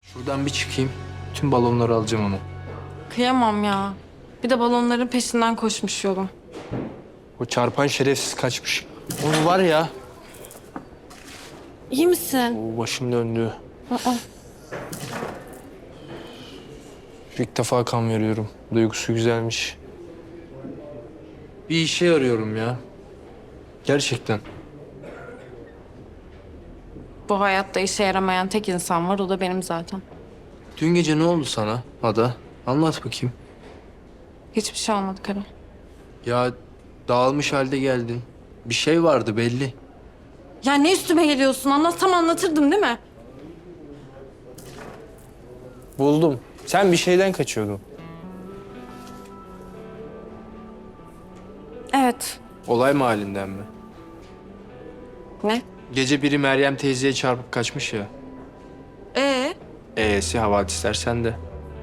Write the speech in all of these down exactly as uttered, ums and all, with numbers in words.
Buradan bir çıkayım. Tüm balonları alacağım onu. Kıyamam ya. Bir de balonların peşinden koşmuş yolum. O çarpan şerefsiz kaçmış. Onu var ya. İyi misin? O başım döndü. Aa. İlk defa kan veriyorum. Duygusu güzelmiş. Bir işe arıyorum ya. Gerçekten. Bu hayatta işe yaramayan tek insan var, o da benim zaten. Dün gece ne oldu sana Ada? Anlat bakayım. Hiçbir şey olmadı Kara. Ya dağılmış halde geldin. Bir şey vardı belli. Ya ne üstüme geliyorsun? Anlatsam anlatırdım değil mi? Buldum. Sen bir şeyden kaçıyordun. Evet. Olay mahallinden mi? Ne? Gece biri Meryem teyzeye çarpıp kaçmış ya. Ee? E'si havadisler sende.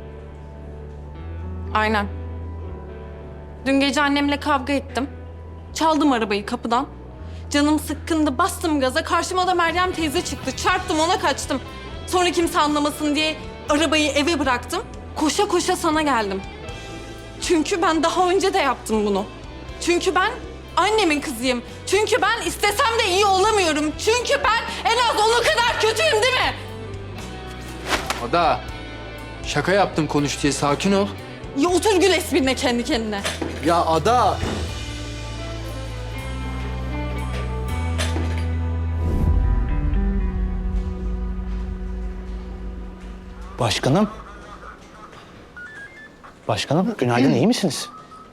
Aynen. Dün gece annemle kavga ettim. Çaldım arabayı kapıdan. Canım sıkkındı, bastım gaza. Karşıma da Meryem teyze çıktı. Çarptım, ona kaçtım. Sonra kimse anlamasın diye arabayı eve bıraktım. Koşa koşa sana geldim. Çünkü ben daha önce de yaptım bunu. Çünkü ben annemin kızıyım. Çünkü ben istesem de iyi olamıyorum. Çünkü ben en az onun kadar kötüyüm değil mi? Ada, şaka yaptım konuş diye sakin ol. Ya otur gül esprine kendi kendine. Ya Ada. Başkanım. Başkanım, günaydın, iyi misiniz?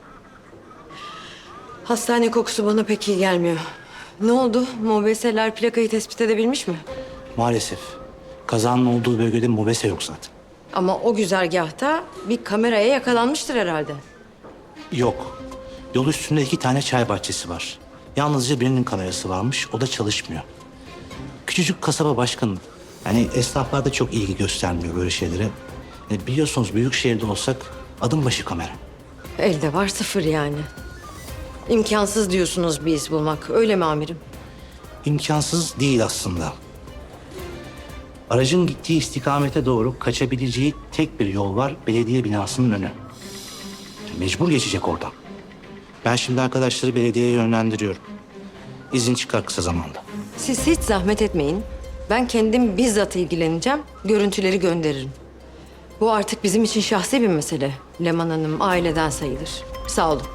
Hastane kokusu bana pek iyi gelmiyor. Ne oldu? Mobeseler plakayı tespit edebilmiş mi? Maalesef. Kazanın olduğu bölgede mobese yok zaten. Ama o güzergahta bir kameraya yakalanmıştır herhalde. Yok. Yol üstünde iki tane çay bahçesi var. Yalnızca birinin kamerası varmış, o da çalışmıyor. Küçücük kasaba başkanım. Yani esnaflar da çok ilgi göstermiyor böyle şeylere. E, biliyorsunuz büyük şehirde olsak adım başı kamera. Elde var sıfır yani. İmkansız diyorsunuz bir iz bulmak. Öyle mi amirim? İmkansız değil aslında. Aracın gittiği istikamete doğru kaçabileceği tek bir yol var, belediye binasının önü. Mecbur geçecek oradan. Ben şimdi arkadaşları belediyeye yönlendiriyorum. İzin çıkar kısa zamanda. Siz hiç zahmet etmeyin. Ben kendim bizzat ilgileneceğim. Görüntüleri gönderirim. Bu artık bizim için şahsi bir mesele. Leman Hanım aileden sayılır. Sağ olun.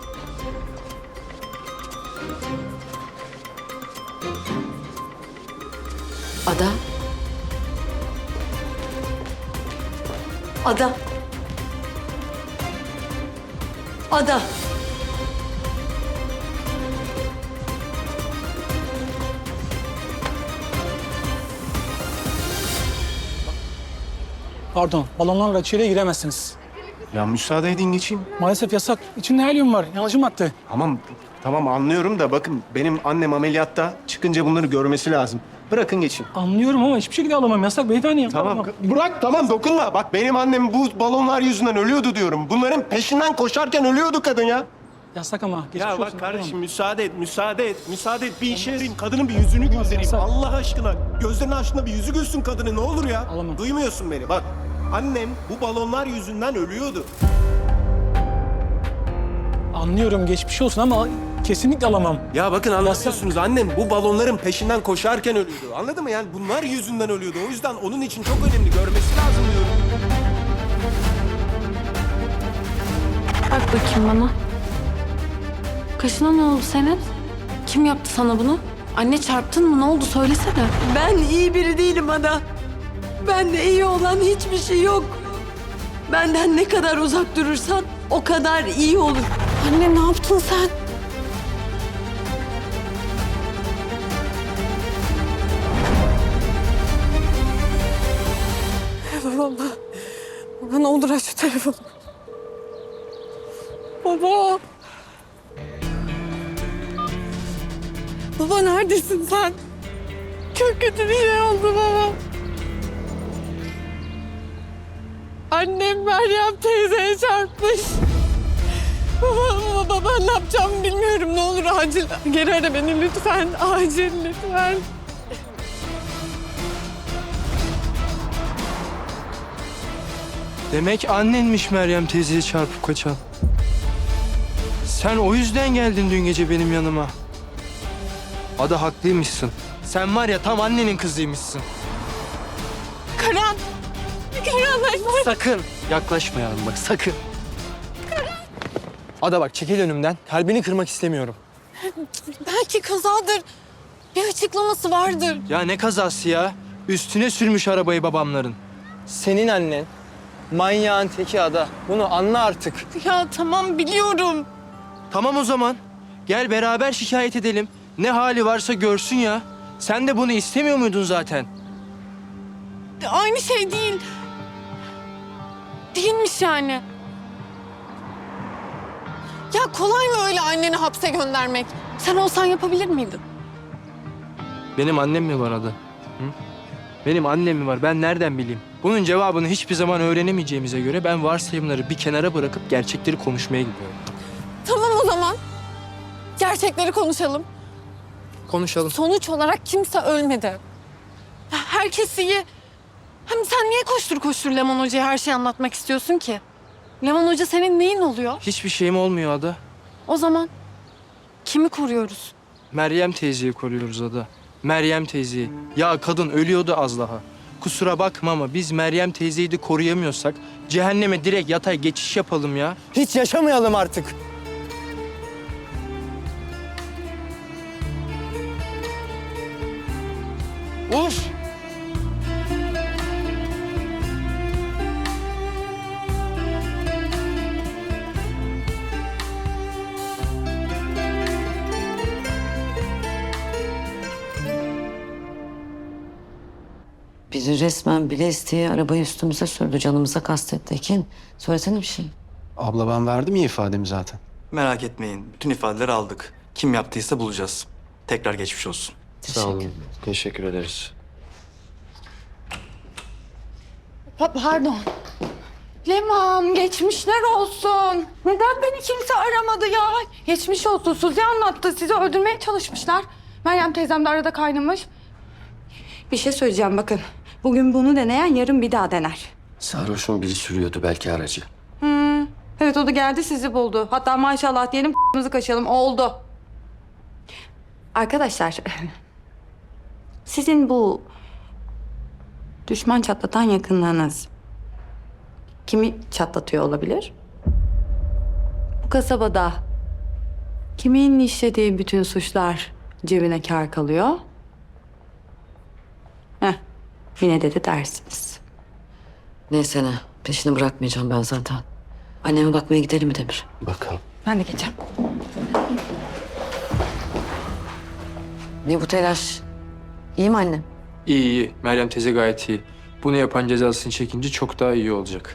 Ada. Ada. Ada. Pardon, balonlarla içeriye giremezsiniz. Ya müsaade edin geçeyim. Maalesef yasak. İçinde helyum var. Yanıcı madde. Tamam, tamam anlıyorum da bakın benim annem ameliyatta çıkınca bunları görmesi lazım. Bırakın geçeyim. Anlıyorum ama hiçbir şekilde alamam. Yasak beyefendi. Tamam, Alamam. bırak tamam dokunma. Bak benim annem bu balonlar yüzünden ölüyordu diyorum. Bunların peşinden koşarken ölüyordu kadın ya. Yasak ama. Geçmiş Ya olsun. bak kardeşim Alamam. müsaade et, müsaade et, müsaade et. Bir işe yarayayım, kadının bir yüzünü göndereyim. yasak. Allah aşkına. Gözlerinin aşkına bir yüzü gülsün kadının ne olur ya. Alamam. Duymuyorsun beni bak. Annem bu balonlar yüzünden ölüyordu. Anlıyorum, geçmiş olsun ama kesinlikle alamam. Ya bakın anlamıyorsunuz annem bu balonların peşinden koşarken ölüyordu. Anladın mı? Yani bunlar yüzünden ölüyordu. O yüzden onun için çok önemli. Görmesi lazım diyorum. Bak bakayım bana. Kaşına ne oldu senin? Kim yaptı sana bunu? Anne çarptın mı? Ne oldu? Söylesene. Ben iyi biri değilim Ada. Bende iyi olan hiçbir şey yok. Benden ne kadar uzak durursan o kadar iyi olur. Anne ne yaptın sen? Baba, baba ne olur aç şu telefonu. Baba. Baba neredesin sen? Çok kötü bir şey oldu baba. Annem Meryem teyzeye çarpmış. Baba, baba ben ne yapacağımı bilmiyorum. Ne olur acil geri ara beni lütfen. Acil lütfen. Demek annenmiş Meryem teyzeye çarpıp kaçan. Sen o yüzden geldin dün gece benim yanıma. Ada haklıymışsın. Sen var ya tam annenin kızıymışsın. Karan! Karan ben... Sakın yaklaşmayalım bak sakın. Ada bak çekil önümden. Kalbini kırmak istemiyorum. Belki kazadır. Bir açıklaması vardır. Ya ne kazası ya? Üstüne sürmüş arabayı babamların. Senin annen manyağın teki Ada. Bunu anla artık. Ya tamam biliyorum. Tamam o zaman. Gel beraber şikayet edelim. Ne hali varsa görsün ya. Sen de bunu istemiyor muydun zaten? Aynı şey değil. Değilmiş yani. Ya kolay mı öyle anneni hapse göndermek? Sen olsan yapabilir miydin? Benim annem mi var Ada? Hı? Benim annem mi var? Ben nereden bileyim? Bunun cevabını hiçbir zaman öğrenemeyeceğimize göre ben varsayımları bir kenara bırakıp gerçekleri konuşmaya gidiyorum. Tamam o zaman. Gerçekleri konuşalım. Konuşalım. Sonuç olarak kimse ölmedi. Ya herkes iyi. Hem sen niye koştur koştur Leman Hoca'ya her şeyi anlatmak istiyorsun ki? Leman Hoca senin neyin oluyor? Hiçbir şeyim olmuyor Ada. O zaman kimi koruyoruz? Meryem teyzeyi koruyoruz Ada. Meryem teyzeyi. Ya kadın ölüyordu az daha. Kusura bakma ama biz Meryem teyzeyi de koruyamıyorsak cehenneme direkt yatay geçiş yapalım ya. Hiç yaşamayalım artık. Of! Bizi resmen bile isteye arabayı üstümüze sürdü, canımıza kastetti. Ekin, söylesene bir şey. Abla ben verdim ya ifademi zaten. Merak etmeyin. Bütün ifadeleri aldık. Kim yaptıysa bulacağız. Tekrar geçmiş olsun. Sağ olun. Teşekkür ederiz. Pa- pardon. Leman geçmişler olsun. Neden beni kimse aramadı ya? Geçmiş olsun. Suzi anlattı. Sizi öldürmeye çalışmışlar. Meryem teyzem de arada kaynamış. Bir şey söyleyeceğim bakın. Bugün bunu deneyen yarın bir daha dener. Sarhoşun biri sürüyordu belki aracı. Evet o da geldi sizi buldu. Hatta maşallah diyelim k***mızı kaçalım oldu. Arkadaşlar sizin bu düşman çatlatan yakınlığınız kimi çatlatıyor olabilir? Bu kasabada kimin işlediği bütün suçlar cebine kâr kalıyor? Heh, yine dedi dersiniz. Neyse ne, peşini bırakmayacağım ben zaten. Anneme bakmaya gidelim mi Demir? Bakalım. Ben de geçeceğim. Ne bu telaş? İyi mi annem? İyi iyi. Meryem teyze gayet iyi. Bunu yapan cezasını çekince çok daha iyi olacak.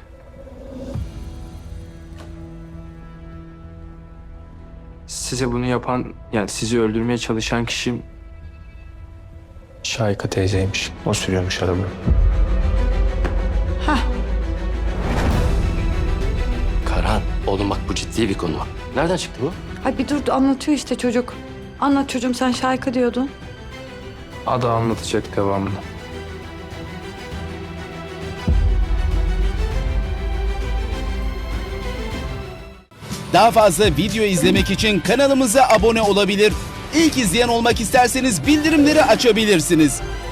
Size bunu yapan, yani sizi öldürmeye çalışan kişi Şahika teyzeymiş. O sürüyormuş arabayı. Karan, oğlum bak bu ciddi bir konu. Nereden çıktı bu? Ay bir dur anlatıyor işte çocuk. Anlat çocuğum sen Şahika diyordun. Ada anlatacak devamını. Daha fazla video izlemek için kanalımıza abone olabilir. İlk izleyen olmak isterseniz bildirimleri açabilirsiniz.